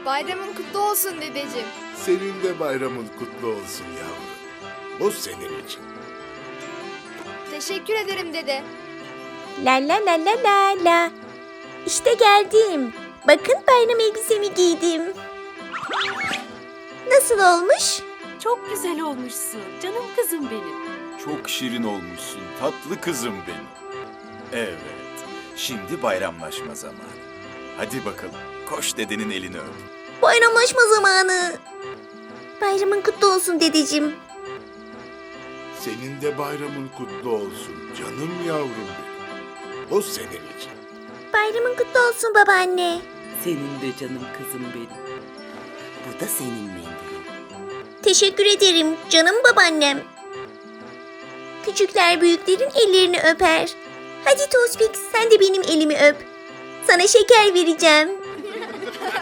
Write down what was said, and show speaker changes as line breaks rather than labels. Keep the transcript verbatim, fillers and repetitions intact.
Bayramın kutlu olsun dedeciğim.
Senin de bayramın kutlu olsun yavrum. Bu senin için.
Teşekkür ederim dede.
La la la la la la. İşte geldim. Bakın bayram elbisemi giydim. Nasıl olmuş?
Çok güzel olmuşsun. Canım kızım benim.
Çok şirin olmuşsun tatlı kızım benim. Evet, şimdi bayramlaşma zamanı. Hadi bakalım, koş dedenin elini öp.
Bayramlaşma zamanı. Bayramın kutlu olsun dedeciğim.
Senin de bayramın kutlu olsun canım yavrum benim. Bu senin için.
Bayramın kutlu olsun babaanne.
Senin de canım kızım benim. Bu da senin mendilin.
Teşekkür ederim canım babaannem. Küçükler büyüklerin ellerini öper. Hadi Tospik sen de benim elimi öp. Sana şeker vereceğim.